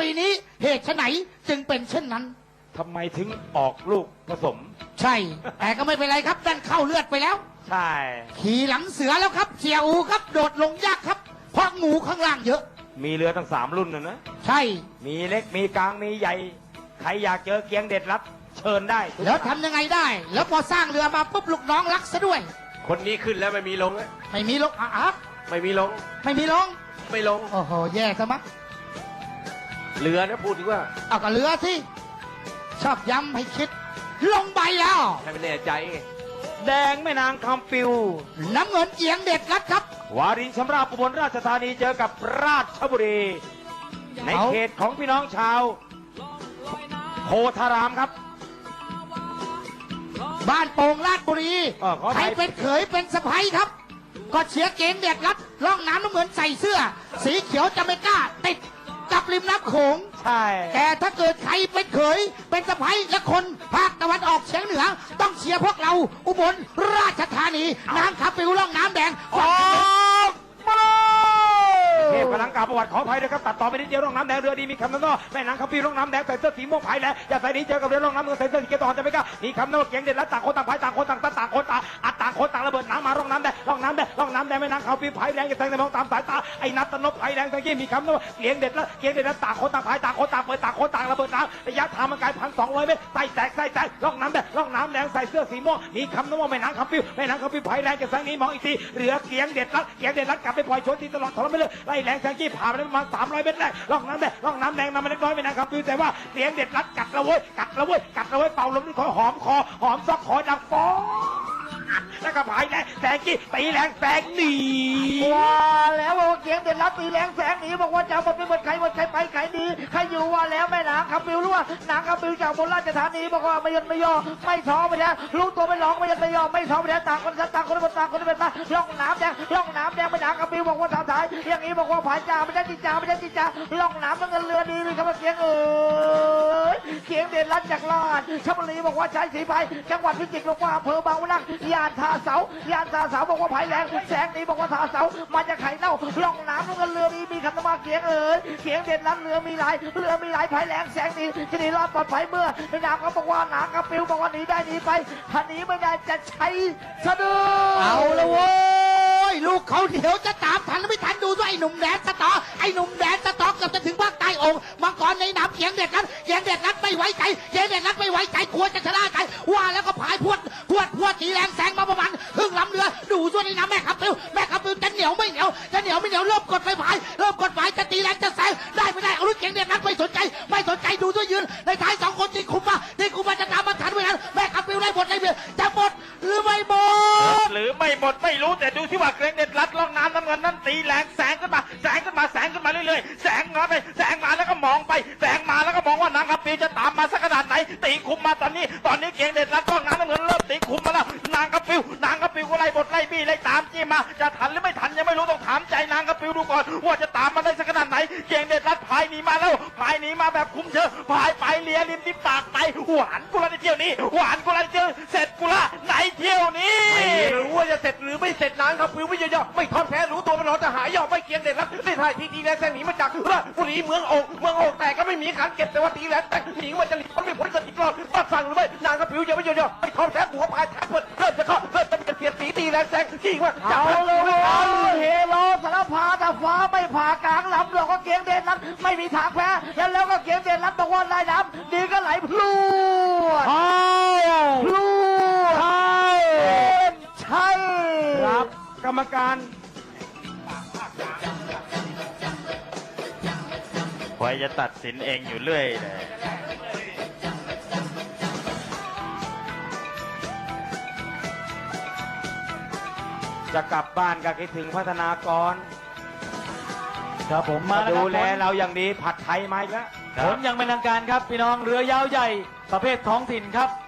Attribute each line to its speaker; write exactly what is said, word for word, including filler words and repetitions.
Speaker 1: ปีนี้เหตุไฉนจึงเป็นเช่นนั้น
Speaker 2: ทำไมถึงออกลูกผสม
Speaker 1: ใช่แต่ก็ไม่เป็นไรครับดันเข้าเลือดไปแล้ว
Speaker 2: ใช่
Speaker 1: ขี่หลังเสือแล้วครับเสียอูครับโดดลงยากครับเพราะงูข้างล่างเยอะ
Speaker 2: มีเรือตั้งสามรุ่นนะนะ
Speaker 1: ใช่
Speaker 2: มีเล็กมีกลางมีใหญ่ใครอยากเจอเกียงเด็ดรัดเชิญได้
Speaker 1: แล้วทำยังไงได้แล้วพอสร้างเรือมาปุ๊บลูกน้องรักซะด้วย
Speaker 3: คนนี้ขึ้นแล้วไม่มีลง
Speaker 1: ไม่มีลงอ่ะ
Speaker 3: ไม่มีลง
Speaker 1: ไม่มีลง
Speaker 3: ไม่ลง
Speaker 1: โอ้โหแย่ซะมั้ง
Speaker 3: เรือนะพูดถึงว่า
Speaker 1: เอาก็เรือสิชอบย้ำให้คิดลงใบแล้ว
Speaker 3: ให้ไม่แน่ใจ
Speaker 2: แดงแม่นางคำปิว
Speaker 1: น้ำเงินเกียงเด็ดรัดครับ
Speaker 2: วารินชำราบอุบลราชธานีเจอกับราชบุรีในเขตของพี่น้องชาวโพธารามครับ
Speaker 1: บ้านโป่งราชบุรีใครเป็นเขยเป็นสะใภ้ครับก็เชียร์เกมเด็ดรัดล่องน้ำน้ำเหมือนใส่เสื้อสีเขียวจะไม่กล้าติดกับริมน้ำโขง
Speaker 2: ใช่
Speaker 1: แต่ถ้าเกิดใครเป็นเขยเป็นสะใภ้และคนภาคตะวันออกเฉียงเหนือต้องเชียร์พวกเราอุบลราชธานีน้ำขับปิวล่องน้ำแดง
Speaker 2: ออกมาเทพกำลังกล่าวประวัติขออภัยด้วยครับตัดต่อไปนิดเดียวร่องน้ำแดงเรือดีมีคำนั้นว่าแม่นางคำปีร่องน้ำแดงใส่เสื้อสีม่วงไผ่แหละอย่าใส่นี้เจอกับเรือร่องน้ำเงินใส่เสื้อสีเขียวต่อจะไม่กล้ามีคำนั้นว่าเกียงเด็ดและต่างคนต่างไผ่ต่างคนต่างตาต่างคนต่างอัดต่างคนต่างระเบิดน้ำมาร่องน้ำแดงร่องน้ำแดงร่องน้ำแดงแม่นางคำปีไผ่แดงจะแทงในมองตามสายตาไอ้นัทตนพไผ่แดงตะกี้มีคำนั้นว่าเกียงเด็ดและเกียงเด็ดและต่างคนต่างไผ่ต่างคนต่างเปิดต่างคนต่างระเบิดน้ำระยะทางมันไกลพันสองร้อยเมตรใส่แตกใส่แตกร่องน้ำแดงร่องน้ำแดงใส่เสื้อสีม่วงมีคำนั้นว่าแม่นางคำปีแม่นางคำปีไผ่แดงจะแทงนี้มองอีกทีเรือเกียงเด็ดและเกียงเด็ดและกลับไปปล่อยชนที่ตลอดทรมานเลยไล่แรงแทงกี้ผ่านไปประมาณสามร้อยเมตรแรกล่องน้ำแดงล่องน้ำแดงนำมาเล็กน้อยไม่นานครับดูแต่ว่าเสียงเด็ดรัดกัดระเว้ยกัดระเว้ยกัดระเว้ยเป่าลมด้วยคอหอมคอหอมซอกคอดังฟองแล้วก็ผายแรงแสงกี้ตีแรงแสงหนี
Speaker 1: ว้าแล้วเสียงเด็ดรัดตีแรงแสงหนีบอกว่าจะมาเป็นหมดใครหมดใครไปใครดีใครอยู่ว่าแล้วแม่นางคำปิวรู้ว่านางคำปิวจากบนราชธานีบอกว่าไม่ยันไม่ย่อไม่ท้อไม่แท้รู้ตัวไม่ร้องไม่ยันไม่ย่อไม่ท้อไม่แท้ต่างคนต่างคนต่างคนเป็นมาล่องน้ำแดงล่องน้ำแดงแม่นางคำปิวบอกว่าสาวสายอย่างนี้บอกว่าผายจ่าไม่ได้จิจ่าไม่ได้จิจ่าล่องน้ำเงินเรือดีเลยครับเสียงเอ๋ยเสียงเด่นรัดจากลาดชลบุรีบอกว่าใช้สีไฟจังหวัดพิจิตรบอกว่าอำเภอบางวะนักยานท่าเสายานท่าเสาบอกว่าไผ่แรงแสงนี้บอกว่าท่าเสามาจากไข่เน่าล่องน้ำเงินเรือดีมีคำนามว่าเสียงเอ๋ยเสียงเด่นรัดเรือมีหลายเรือมีหลายไผ่แรงแสงนี้จะหนีรอดปลอดภัยเมื่อในน้ำเขาบอกว่าหนางกระปิวบอกว่าหนีได้หนีไปถ้าหนีไม่ได้จะใช้สะดือเอาละเว้ยลูกเขาเดี๋ยวจะตามทันไม่ทันดูด้วยไอ้หนุ่มแดนสตอไอ้หนุ่มแดนสตอเกือบจะถึงภาคใต้องค์มังกรในน้ำเขียงเด็ดนั้นเขียงเด็ดนั้นไม่ไว้ใจเขียงเด็ดนั้นไม่ไว้ใจกลัวจะชนะใจว่าแล้วก็ผายพวดพวดพวดตีแรงแสงมาประมาณครึ่งลำเรือดูด้วยในน้ำแม่ขับปิวแม่ขับปิวจะเหนียวไม่เหนียวจะเหนียวไม่เหนียวเริ่มกดไฟผายเริ่มกดไฟจะตีแรงจะแสงได้ไม่ได้เอาลูกเขียงเด็ดนั้นไม่สนใจไม่สนใจดูด้วยยืนในท้ายสองคนที่คุมมาที่คุมมาจะตามมาทันไม่ทันแม่ขับปิวได้หมดในเรือจะหมดหรือไม่หมด
Speaker 2: หรือไม่หมดไม่รู้แต่ดูที่ว่าเกรงเด็ดรัดล่องน้ำน้ำเงินนั้นตีแรงแสงขึ้นมาแสงขึ้นมาแสงขึ้นมาเรื่อยๆแสงมาไปแสงมาแล้วก็มองไปแสงมาแล้วก็มองว่านางคำปีจะตามมาสักขนาดไหนตีคุมมาตอนนี้ตอนนี้เกียงเด็ดรัดล่องน้ำน้ำเงินเริ่มตีคุมมาแล้วนางคำปีนางคำปีก็ไล่บทไล่บี้ไล่ตามจี้มาจะทันหรือไม่ทันยังไม่รู้ต้องถามใจนางคำปีดูก่อนว่าจะตามมาได้สักขนาดไหนเกียงเด็ดรัดพายหนีมาแล้วพายหนีมาแบบคุ้มเชิงพายไปเลียริมที่ปากไปหวานกุลาในเที่ยวนี้หวานกุลาในเที่ยวเสร็จกุลาในเที่ยวนี้
Speaker 3: ไม่รู้ว่าจะเสร็จหรือไม่เสร็จนางคำปิวไม่ย่อไม่ท้อแท้รู้ตัวมันรอจะหายย่อไม่เกียงเด็ดรัดได้ถ่ายทีทีแรงแสงหนีมาจากราชบุรีเมืองโอ่งเมืองโอ่งแต่ก็ไม่มีขันเก็บแต่ว่าตีแรงแต่หนีมันจะหลีกมันไม่พ้นกันอีกรอบปัดฟังหรือไม่นางคำปิวยังไม่ย่อไม่ท้อแท้หัวพายแทงเปิดเริ่มจะเข้าเริ่มจะเสียดสีตีแรงแสงที่ว่า
Speaker 1: เอาเลยเฮโลสารพาตาฟ้าไม่ผ่ากลางลำเราก็เกียงเด่นรัดไม่มีทางแพ้แล้วแล้วก็เกียงเด่นรัดบอกว่าลายน้ำดีก็ไหลพลูดพลูดใช่
Speaker 2: ครับกรรมการคอยจะตัดสินเองอยู่เรื่อยเลยจะกลับบ้านก็คิดถึงพัฒนากร
Speaker 4: ครับผมมา
Speaker 2: ดูแลเราอย่างดีผัดไทยมาอีกแล้ว
Speaker 4: ผลยังเป็นทางการครับพี่น้องเรือยาวใหญ่ประเภทท้องถิ่นครับ